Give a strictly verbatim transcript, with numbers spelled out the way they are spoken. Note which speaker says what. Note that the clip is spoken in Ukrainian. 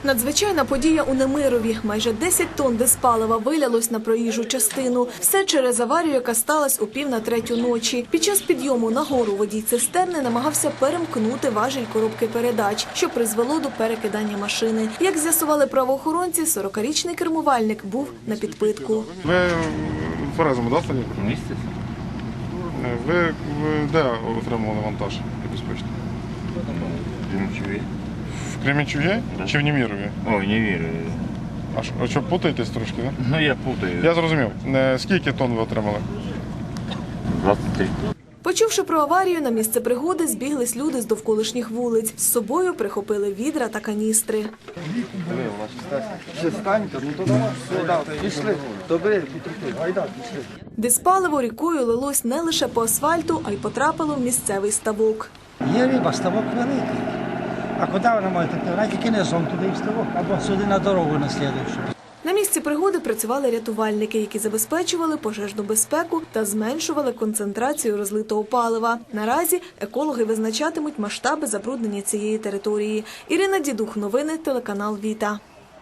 Speaker 1: Надзвичайна подія у Немирові. Майже десять тонн диспалива вилялось на проїжджу частину. Все через аварію, яка сталася у пів на третю ночі. Під час підйому на гору водій цистерни намагався перемкнути важіль коробки передач, що призвело до перекидання машини. Як з'ясували правоохоронці, сорокарічний кермувальник був на підпитку.
Speaker 2: Ви в Ферезому, да, тоді?
Speaker 3: Місяць.
Speaker 2: Ви, ви де отримували вантаж небезпечний?
Speaker 3: Кременчугі.
Speaker 2: В Кременчугі
Speaker 3: Да.
Speaker 2: чи в Немирові?
Speaker 3: Ой, не вірю.
Speaker 2: А що, а що, путаєтесь трошки, так? Да?
Speaker 3: Ну, я путаю.
Speaker 2: Я зрозумів. Е, Скільки тонн ви отримали?
Speaker 3: двадцять три.
Speaker 1: Почувши про аварію, на місце пригоди збіглись люди з довколишніх вулиць. З собою прихопили відра та каністри. Диспаливо рікою лилось не лише по асфальту, а й потрапило в місцевий ставок.
Speaker 4: Є риба, ставок великий. А куди вона може текти? Вона тільки низом туди в ставок, або сюди на дорогу на слідуючу.
Speaker 1: На місці пригоди працювали рятувальники, які забезпечували пожежну безпеку та зменшували концентрацію розлитого палива. Наразі екологи визначатимуть масштаби забруднення цієї території. Ірина Дідух, новини, телеканал Віта.